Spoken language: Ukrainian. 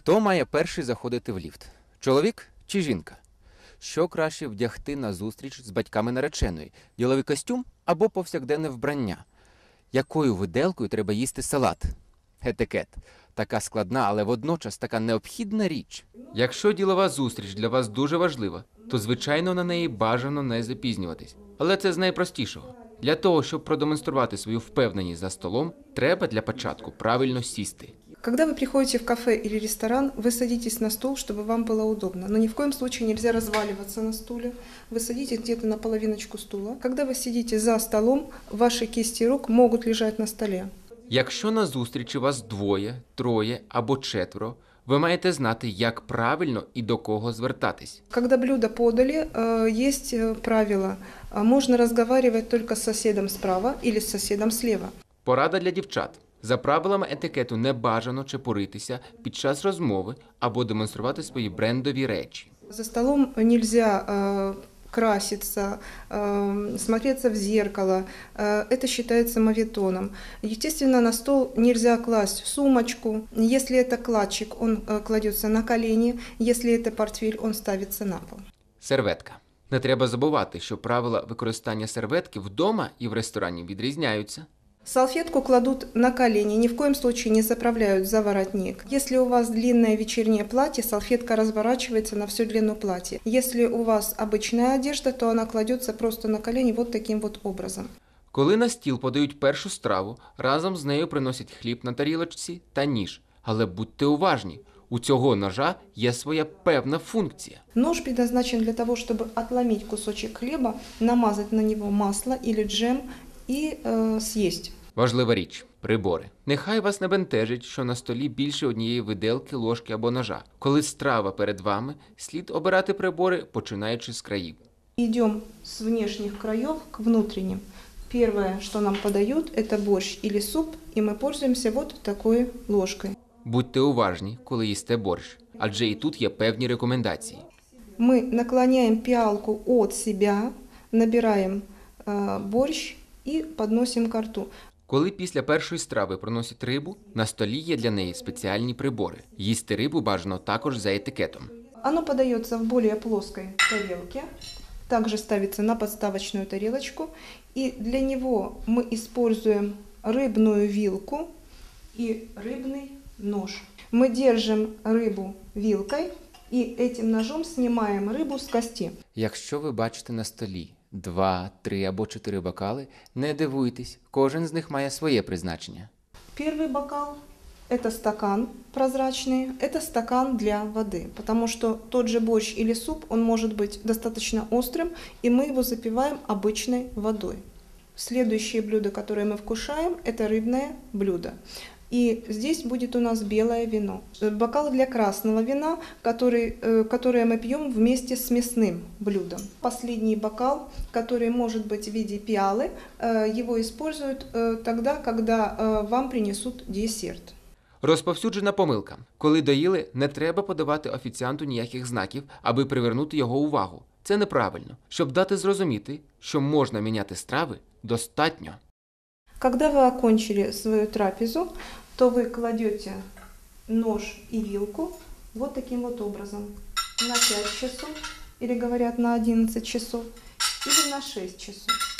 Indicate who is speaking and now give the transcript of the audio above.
Speaker 1: Хто має перший заходити в ліфт? Чоловік чи жінка? Що краще вдягти на зустріч з батьками нареченої? Діловий костюм або повсякденне вбрання? Якою виделкою треба їсти салат? Етикет. Така складна, але водночас така необхідна річ. Якщо ділова зустріч для вас дуже важлива, то, звичайно, на неї бажано не запізнюватись. Але це з найпростішого. Для того, щоб продемонструвати свою впевненість за столом, треба для початку правильно сісти.
Speaker 2: Когда вы приходите в кафе или ресторан, вы садитесь на стул, чтобы вам было удобно. Но ни в коем случае нельзя разваливаться на стуле. Вы садитесь где-то на половиночку стула. Когда вы сидите за столом, ваши кисти рук могут лежать на столе.
Speaker 1: Якщо на зустрічі вас двоє, троє або четверо, ви маєте знати, як правильно і до кого звертатись.
Speaker 2: Когда блюдо подали, есть правило. Можно разговаривать только с соседом справа или с соседом слева.
Speaker 1: Порада для дівчат. За правилами етикету не бажано чепуритися під час розмови або демонструвати свої брендові речі.
Speaker 2: За столом нельзя краситься, смотреться в зеркало. Это считается моветоном. Естественно, на стол нельзя класть сумочку. Если это кладчик, он кладется на колени. Если это портфель, он ставится на пол.
Speaker 1: Серветка. Не треба забувати, що правила використання серветки вдома і в ресторані відрізняються.
Speaker 2: Салфетку кладут на колени, ни в коем случае не заправляют за воротник. Если у вас длинное вечернее платье, салфетка разворачивается на всю длину платья. Если у вас обычная одежда, то она кладется просто на колени вот таким вот образом.
Speaker 1: Коли на стіл подають першу страву, разом з нею приносять хліб на тарілочці та ніж. Але будьте уважні, у цього ножа є своя певна функція.
Speaker 2: Нож предназначен для того, чтобы отломить кусочек хлеба, намазать на него масло или джем і з'їсть.
Speaker 1: Важлива річ – прибори. Нехай вас не бентежить, що на столі більше однієї виделки, ложки або ножа. Коли страва перед вами, слід обирати прибори, починаючи з країв.
Speaker 2: Идем с внешних краев к внутренним. Первое, что нам подают, это борщ или суп, и мы пользуемся вот такой ложкой.
Speaker 1: Будьте уважні, коли їсте борщ, адже і тут є певні рекомендації.
Speaker 2: Мы наклоняем пиалку от себя, набираем борщ і підносимо ко рту.
Speaker 1: Коли після першої страви приносять рибу, на столі є для неї спеціальні прибори. Їсти рибу бажано також за етикетом.
Speaker 2: Оно подается в более плоской тарелке, также ставится на подставочную тарелочку. И для него мы используем рыбную вилку и рыбный нож. Мы держим рыбу вилкой и этим ножом снимаем рыбу с кости.
Speaker 1: Якщо ви бачите на столі 2, 3 або 4 бокали, не дивуйтесь, кожен з них має своє призначення.
Speaker 2: Первый бокал – это стакан прозрачный, это стакан для воды, потому что тот же борщ или суп, он может быть достаточно острым, и мы его запиваем обычной водой. Следующее блюдо, которое мы вкушаем, это рыбное блюдо. И здесь будет у нас белое вино. Бокал для красного вина, которое мы пьем вместе с мясным блюдом. Последний бокал, который может быть в виде пиалы, его используют тогда, когда вам принесут десерт.
Speaker 1: Розповсюджена помилка. Коли доїли, не треба подавати офіціанту ніяких знаків, аби привернути його увагу. Це неправильно. Щоб дати зрозуміти, що можна міняти страви, достатньо.
Speaker 2: Когда вы окончили свою трапезу, то вы кладете нож и вилку вот таким вот образом на 5 часов, или говорят на 11 часов, или на 6 часов.